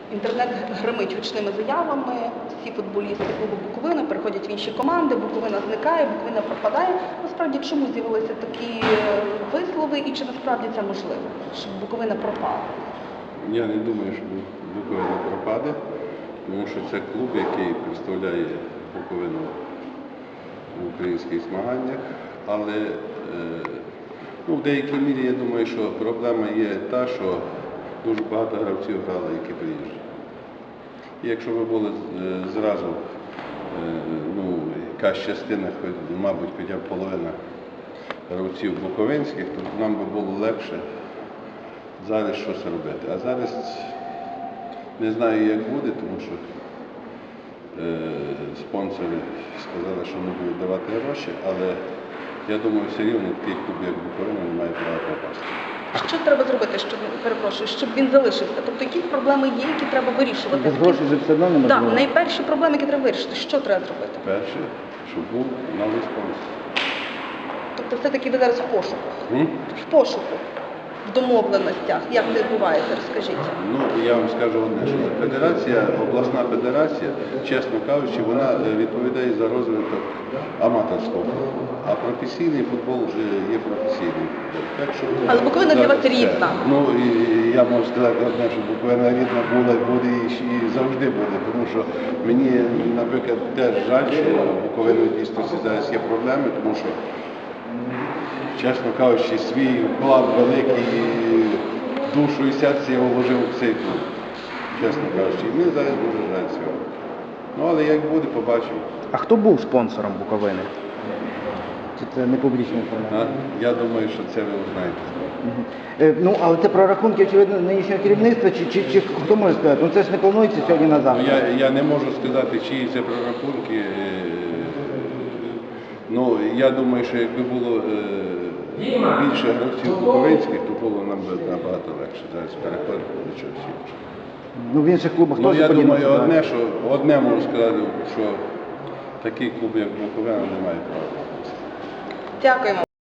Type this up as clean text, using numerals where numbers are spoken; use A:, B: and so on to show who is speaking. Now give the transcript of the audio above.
A: Інтернет гримить гучними заявами, всі футболісти клубу Буковина переходять в інші команди, Буковина зникає, Буковина пропадає. Насправді, чому з'явилися такі вислови і чи насправді це можливо, щоб Буковина пропала?
B: Я не думаю, що Буковина пропаде, тому що це клуб, який представляє Буковину в українських змаганнях, але в деякій мірі я думаю, що проблема є та, що дуже багато гравців грали, які приїжджають. І якщо б було зразу якась частина, мабуть, хоча б половина гравців буковинських, то нам би було легше зараз щось робити. А зараз не знаю, як буде, тому що спонсори сказали, що не будуть давати гроші, але я думаю, все рівно такий клуб, як Буковина, не має права пропасти.
A: Що треба зробити, щоб він залишився? Тобто якісь проблеми є, які треба вирішувати?
C: Без грошей вже все одно не можливо.
A: Так, найперші проблеми, які треба вирішити. Що треба зробити?
B: Перше, щоб був новий спонсор.
A: Тобто все-таки ви зараз в пошуку? В пошуку, в домовленостях. Як це відбувається? Розкажіть.
B: Я вам скажу одне, що федерація, обласна федерація, чесно кажучи, вона відповідає за розвиток аматорського футболу. А професійний футбол вже є професійний футбол. Так що
A: але Буковина для вас рідна.
B: Я можу сказати одне, що Буковина рідна була, буде і завжди буде. Тому що мені, наприклад, теж жаль, що Буковина дійсно зараз є проблеми, тому що, чесно кажучи, свій вклад великий, душу і серце я вложив в цей клуб, чесно кажучи. І мені зараз дуже жаль цього. Але як буде, побачимо.
C: А хто був спонсором Буковини? Чи це не публічна інформація?
B: Я думаю, що це ви узнаєте.
C: Але це прорахунки, очевидно, нинішнього керівництва, чи хто може сказати? Це ж не планується сьогодні на завтра.
B: Я не можу сказати, чиї це прорахунки. Я думаю, що якби було більше гравців буковинських, то було нам набагато легше зараз переходити до чогось іншого.
C: В інших клубах теж
B: Я
C: подібно.
B: думаю, одне можу сказати, що такий клуб, як Буковина, не має права.
A: Дякуємо.